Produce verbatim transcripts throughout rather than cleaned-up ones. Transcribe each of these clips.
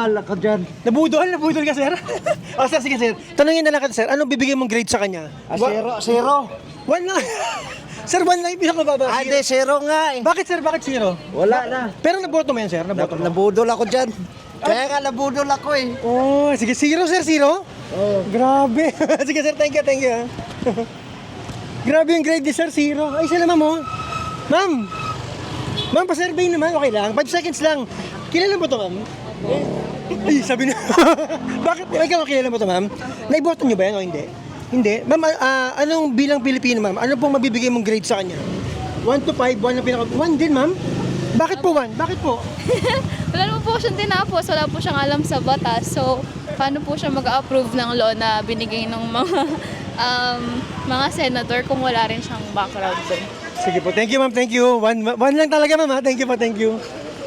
nabudol ako dyan. Nabudol, nabudol ka, sir? O, sir, sige, sir. Tanungin na lang ka, sir. Anong bibigay mong grade sa kanya? Ah, zero, zero. One lang. Sir, one lang yung pinakamababa. Ah, di, zero nga eh. Bakit, sir? Bakit zero? Wala na. Pero naboto mo yan, sir? Naboto mo? Nabudol ako dyan. Kaya nga nabudol ako eh. Oh, sige, zero, sir, zero? Oh. Grabe. Sige, sir, thank you, thank you. ah. Grabe yung grade ni sir, zero. Ay, sila, ma'am, oh. Ma'am. Ma'am, pa-survey naman, okay lang. Five seconds lang. Kilala mo to, ma'am? Ay, sabi na. Bakit? Ay, ikaw, kilala mo to, ma'am? Naiboto nyo ba yan o hindi? Hindi. Ma'am, ah, anong bilang Pilipino, ma'am? Ano pong mabibigay mong grade sa kanya? one to five, one ang pinaka... one din, ma'am? Bakit po one? Bakit po? Wala naman po siyang tinapos, wala po siyang alam sa batas. So, paano po siya mag-approve ng law na binigay ng mga um, mga senator kung wala rin siyang background doon? Sige po. Thank you, ma'am. Thank you. One, one lang talaga, ma'am. ha? Thank you po. Thank you.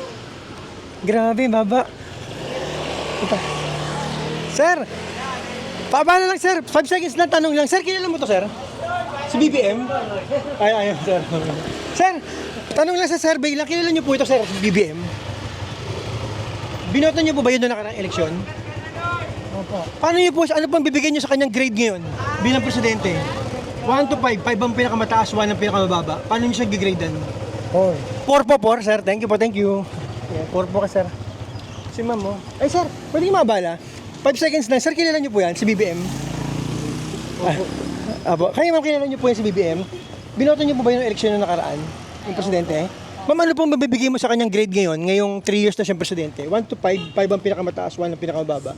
Grabe, baba. Ito. Sir, paaba na lang, sir. Five seconds lang, tanong lang. Sir, kilala mo to, sir? Si B B M? Ay, ay, sir. Sir, tanong lang sa survey lang. Kilala niyo po ito, sir, si B B M? Binoto niyo po ba yun noong nakaraang eleksyon? Opo. Paano niyo po, ano pang bibigyan niyo sa kanyang grade ngayon bilang presidente? one to five, five ang pinakamataas, one ang pinakamababa. Paano niyo siya gigradean? four. four po, four, sir. Thank you po, thank you. Yeah, four po ka, sir. Si ma'am, oh. Ay, sir, pwede yung mabala? five seconds lang. Sir, kilala niyo po yan, si B B M? Opo. Ah, apo. Kaya ma'am, kilala niyo po yan si B B M? Binoto niyo po ba yung eleksyon na nakaraan? Yung presidente? Ma'am, ano pong mabibigay mo sa kanyang grade ngayon? Ngayong three years na siyang presidente? one to five, five ang pinakamataas, one ang pinakamababa.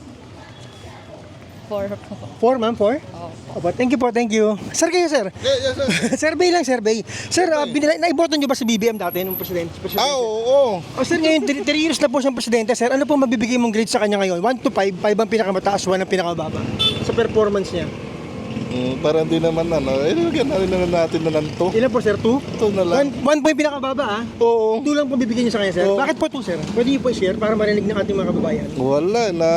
For po. four, ma'am, four? Opo. Thank you po, thank you. Sir, kayo, sir? Yeah, yes, sir. Survey lang, survey. Sir, uh, binila- naiboto niyo ba si B B M dati nung presidente? presidente? Ah, oo. Oh, sir, ngayon, three years na po siyang presidente, sir. Ano po mabibigay mong grade sa kanya ngayon? one to five, five ang pinakamataas, one ang pinakamababa. Sa performance niya. Mm, parang di naman ano. Eh, lagyan na rin naman natin na lang to. Ilan po, sir? two? Ito na lang. One, one po yung pinakababa, ah. Oo. two lang po bibigyan niyo sa kanya, sir. Oo. Bakit po two, sir? Pwede niyo po i-share para marinig ng ating mga kababayan. Wala na.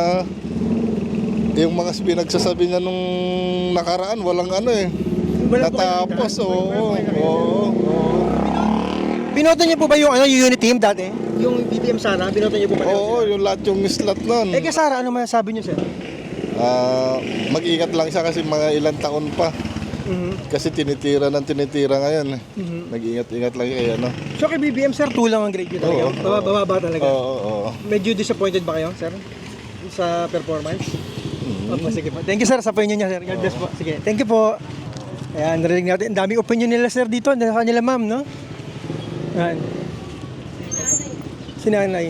Yung mga pinagsasabi niya nung nakaraan, walang ano eh. Wala po kayo Natapos, nakita? oo. Wala po kayo nakita? Oo. Oo. Binoto niyo po ba yung, ano, yung unit team dati? Yung B B M Sara, binoto niyo po ba? Oo, yung lahat yung slot nun. Eh, kay Sara, ano masasabi niyo, sir? Ah, mag-ingat lang siya kasi mga ilang taon pa. Mhm. Kasi tinitira ng tinitira ngayon. eh. Mhm. Nag-ingat-ingat lang kaya ano. So kay B B M, sir, two lang ang grade niyo talaga? Oo. Baba, bababa talaga? Oo, oo, oo. Medyo disappointed ba kayo, sir? Sa performance? Opo, sige po. Thank you, sir, sa opinion niya, sir. God bless po. Sige, thank you po. Ayan, narinig natin. Ang daming opinion nila, sir, dito. Sa kanila, ma'am, no? Ayan. Si nanay.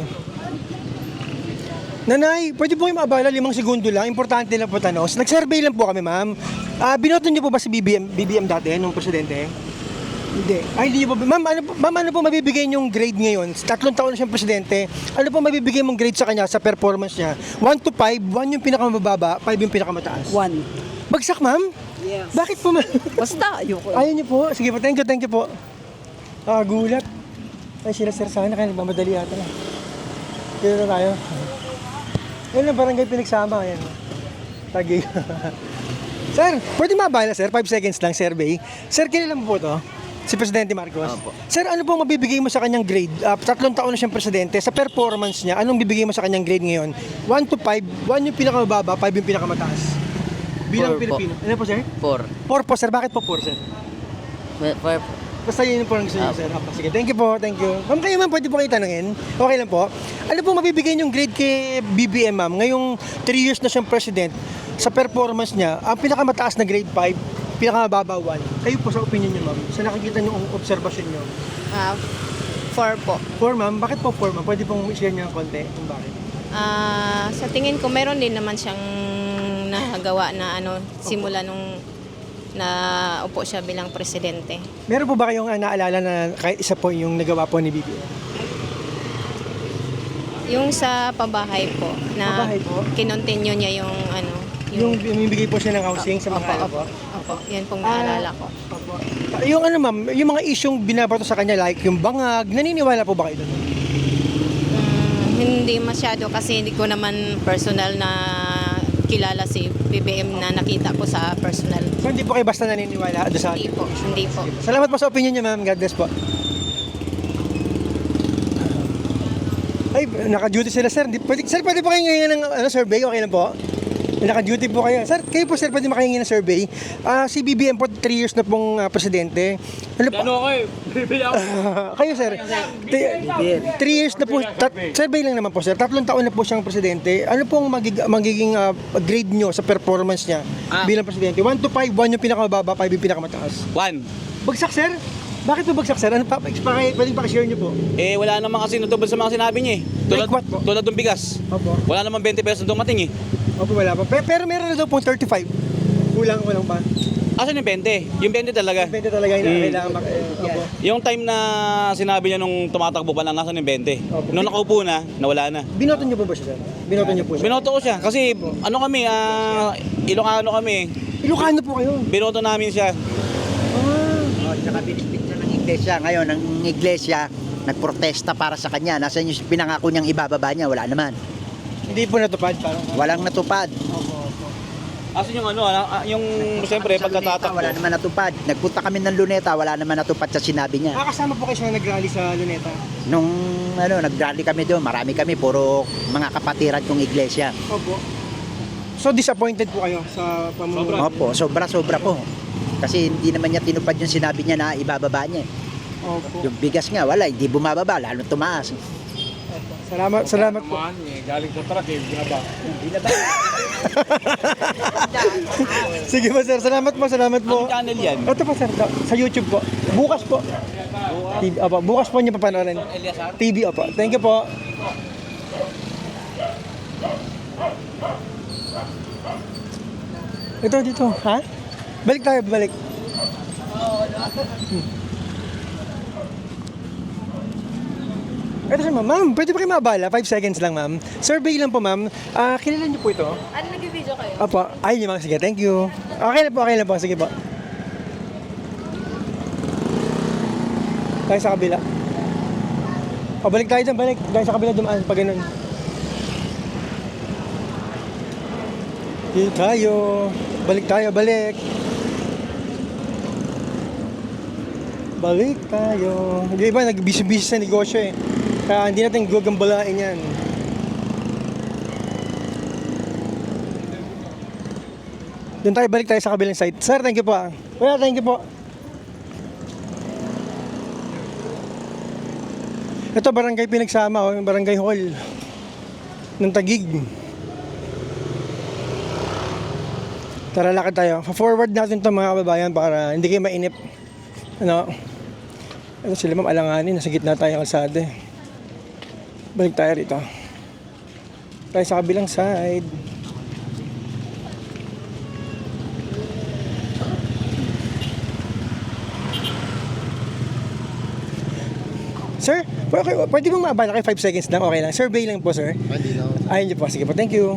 Nanay, pwede po yung maabala, limang segundo lang. Importante lang po tanong. Nag-survey lang po kami, ma'am. Ah, binoto niyo po ba si B B M, B B M dati, nung presidente? Hindi. Ay, hindi niyo po. Ma'am, ano, po- ma'am, ano po mabibigay niyong grade ngayon? Tatlong taon na siyang presidente. Ano po mabibigay mong grade sa kanya sa performance niya? one to five, one yung pinakamababa, five yung pinakamataas. One. Bagsak, ma'am? Yes. Bakit po, ma'am? Basta, ayoko. Ayaw niyo po. Sige po, thank you, thank you po. Ah, gulat. Ay, sila sir, sana kaya nagmamadali ata na. Dito na tayo. Yan ang barangay pinagsama. Ayan. Tagi. Sir, pwede mabala, sir? five seconds lang, survey. Sir, kilala mo po to? Si Presidente Marcos? Opo. Sir, ano pong mabibigay mo sa kanyang grade? Ah, tatlong taon na siyang presidente. Sa performance niya, anong bibigay mo sa kanyang grade ngayon? one to five, one yung pinakamababa, five yung pinakamataas. Bilang Four po. Pilipino. Ano po, sir? Four. four po, sir. Bakit po four, sir? Four. Basta yun yung po ang gusto niyo, Ah. sir. Opo, sige, thank you po, thank you. Ma'am, kayo ma'am, pwede po kayo tanungin? Okay lang po. Ano po mabibigay yung grade kay B B M, ma'am? Ngayong three years na siyang president, sa performance niya, ang pinakamataas na grade five, pinakamababa one. Kayo po sa opinion niyo, ma'am, sa nakikita niyo ang obserbasyon niyo. Ah, four po. four, ma'am? Bakit po four, ma'am? Pwede pong i-share niyo ng konti kung bakit. Ah, sa tingin ko meron din naman siyang nagawa na ano simula nung na upo siya bilang presidente. Meron po ba kayong ah, naalala na kahit isa po yung nagawa po ni B B M? Yung sa pabahay po na Pabahay po? kinontinue niya yung ano Yung bumibigay po siya ng housing sa mga ano opo, po? opo, yan pong naalala ko. Opo. Yung ano, ma'am, yung mga isyong binabato sa kanya, like yung bangag, naniniwala po ba kayo doon? Mm, hindi masyado kasi hindi ko naman personal na kilala si B B M na nakita ko sa personal. So hindi po kayo basta naniniwala doon sa Hindi po, hindi po. Salamat po sa opinion niyo, ma'am. God bless po. Ay, Ay, naka-duty sila, sir. Di, pwede, sir, pwede po kayo ngayon ng ano, survey? Okay lang po? Naka-duty po kayo. Sir, kayo po, sir, pwede makahingi ng survey. Ah, si B B M po, three years na pong ah, presidente. Ano po? Ano kayo? Bibili ako. kayo, sir. Three years na po. Tat, survey lang naman po, sir. Tatlong taon na po siyang presidente. Ano pong magig, magiging ah, grade nyo sa performance niya Ah. bilang presidente? one to five, one yung pinakamababa, five yung pinakamataas. One. Bagsak, sir? Bakit po bagsak, sir? Ano pa? Paki, pwedeng pakishare nyo po. Eh, wala naman kasi natubad sa mga sinabi niya eh. Tulad, Like what po? tulad ng bigas. Opo. Wala naman twenty pesos na dumating eh. Opo, wala pa. Pero, pero meron na daw pong thirty-five. Kulang, kulang pa. Asan yung twenty? Yung twenty talaga. Pwede talaga yun na Mm. kailangan mak... eh, Opo. Yung time na sinabi niya nung tumatakbo pa lang, nasan yung twenty? Opo. Nung nakaupo na, nawala na. Binoto nyo po ba siya, sir? Binoto nyo po siya? Binoto ko siya kasi ano kami, ah, Ilocano kami. Ilocano po kayo. Binoto namin siya. Oh, tsaka binibit siya ng iglesia. Ngayon, ang iglesia, nagprotesta para sa kanya. Nasaan yung pinangako niyang ibababa niya? Wala naman. Hindi po natupad. Parang... Walang natupad. Opo, opo. Asan yung ano, ah, yung siyempre Sa Luneta, pagkatatakbo. wala naman natupad. Nagpunta kami ng Luneta, wala naman natupad sa sinabi niya. Ah, kasama po kayo siya nag-rally sa Luneta. Nung ano, nag-rally kami doon, marami kami, puro mga kapatiran kong iglesia. Opo. So disappointed po kayo sa pamumuno? Opo, sobra-sobra po. Kasi hindi naman niya tinupad yung sinabi niya na ibababa niya. Opo. Yung bigas nga, wala, hindi bumababa, lalo tumaas. Salamat, salamat po. Galing sa truck eh, binaba. Sige po, sir. Salamat po, salamat po. Anong channel yan? Ito po, sir. Sa YouTube po. Bukas po. T V, opo. Bukas po niyo papanoorin. T V, opo. Thank you po. Ito, dito. Ha? Balik tayo, balik. Hmm. Ito siya, ma'am. Ma'am, pwede pa kayo mabala? five seconds lang, ma'am. Survey lang po, ma'am. Ah, kilala niyo po ito? Ano, nag-video kayo? Opo. Ay, ma'am. Sige, thank you. Okay na po, okay na po. Sige po. Tayo sa kabila. O, balik tayo dyan, balik. Tayo sa kabila dumaan, pag ganun. Dito tayo. Balik tayo, balik. Balik tayo. Yung iba, nag-busy-busy sa negosyo eh. Kaya hindi natin gugambalain yan. Doon tayo, balik tayo sa kabilang side. Sir, thank you po. ah. Kuya, thank you po. Ito, barangay pinagsama, oh, yung barangay hall ng Taguig. Tara, lakad tayo. Forward natin ito mga kababayan para hindi kayo mainip. Ano? Ano sila ma'am, alanganin. Nasa gitna tayo ng kalsada eh. Balik tayo rito. Tayo sa kabilang side. Sir, pwede, pwede bang maabala kayo five seconds lang? Okay lang. Survey lang po, sir. Hindi na. Ayun niyo po. Sige po. Thank you.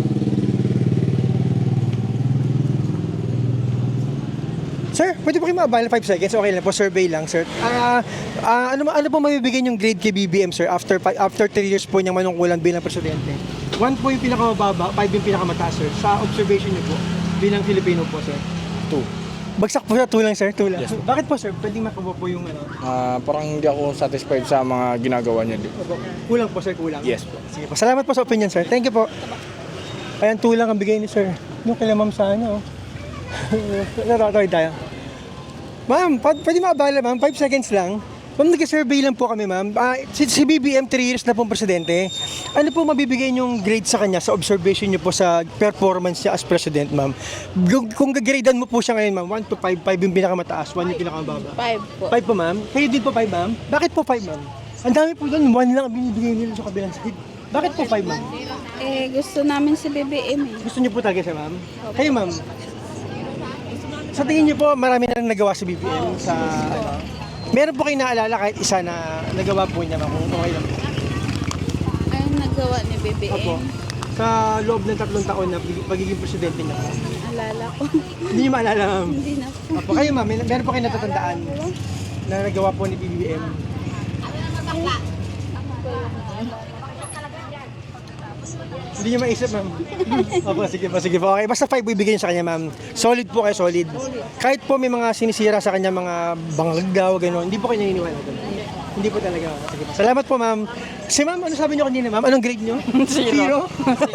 Sir, pwede po kayo maabala five seconds? Okay lang po. Survey lang, sir. Ah, ah, ano, ano po mabibigay yung grade kay B B M, sir, after fi- after three years po niyang manungkulan bilang presidente? one po yung pinakamababa, five yung pinakamataas, sir. Sa observation niyo po, bilang Filipino po, sir. Two. Bagsak po siya, two lang, sir. Two lang. Bakit po, sir? Pwede makuha po yung ano? Ah, parang hindi ako satisfied sa mga ginagawa niya. Opo. Kulang po, sir. Kulang. Yes po. Sige po. Salamat po sa opinion, sir. Thank you po. Ayan, two lang ang bigay ni sir. Yung kila ma'am sa ano. Naratoy tayo. Ma'am, pa- pwede maabala, ma'am. five seconds lang. Ma'am, nag-survey lang po kami, ma'am. Ah, si, si B B M, three years na pong presidente. Ano po mabibigay niyong grade sa kanya sa observation niyo po sa performance niya as president, ma'am? Kung, kung gagradean mo po siya ngayon, ma'am, one to five, five yung pinakamataas, one yung pinakamababa. Five po. five po, ma'am? Kayo din po five, ma'am? Bakit po five, ma'am? Ang dami po doon, one lang ang binibigay nila sa kabilang side. Bakit po five, ma'am? Eh, gusto namin si B B M eh. Gusto niyo po talaga siya, ma'am? Kayo, ma'am? Sa tingin niyo po, marami na rin nagawa si B B M sa, ano, meron po kayo naalala kahit isa na nagawa po niya, ma'am, kung okay lang. Ayun nagawa ni B B M. Opo. Sa loob ng tatlong taon na pagiging presidente niya po. Alala ko. Hindi niyo maalala, ma'am? Hindi na po. Opo, kayo, ma'am, mer- meron po kayo natatandaan na nagawa po ni B B M. Hindi niyo maisip, ma'am. Opo, sige po, sige po. Okay, basta five bibigyan niyo sa kanya, ma'am. Solid po kayo, solid. Kahit po may mga sinisira sa kanya, mga bangag daw, gano'n, hindi po kayo naniniwala doon. Hindi po talaga. Sige po. Salamat po, ma'am. Si ma'am, ano sabi niyo kanina, ma'am? Anong grade niyo? Zero.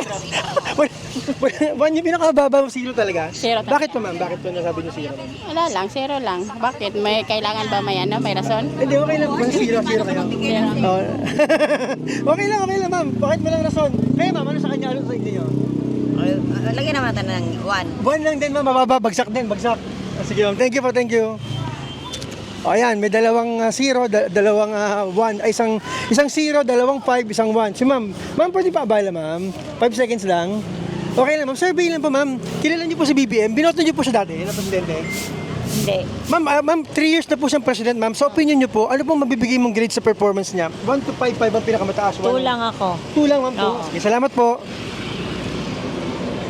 One yung pinakababa, zero talaga? Zero talaga. Bakit po, ma'am? Bakit po nasabi niyo zero, ma'am? Wala lang, zero lang. Bakit? May kailangan ba may ano? May rason? Hindi, okay lang. Basta zero, zero kayo. Zero. Oh. Okay lang, okay lang, ma'am. Bakit mo lang rason? Kaya, ma'am, ano sa kanya? Ano sa inyo? Lagyan naman natin ng one. Buwan lang din, ma'am. Mababa. Bagsak din, bagsak. Ah, sige, ma'am. Thank you po, thank you. O, ayan, may dalawang uh, zero, da- dalawang uh, one, ay isang, isang zero, dalawang five, isang one. Si ma'am, ma'am, pwede pa abala, ma'am? Five seconds lang. Okay lang, ma'am. Survey lang po, ma'am. Kilala niyo po si B B M. Binoto niyo po siya dati, na presidente. Hindi. Ma'am, ah, ma'am, three years na po siyang president, ma'am. Sa opinion niyo po, ano pong mabibigay mong grade sa performance niya? one to five, five ang pinakamataas. Two lang ako. Two lang, ma'am po. Oo. Sige, salamat po.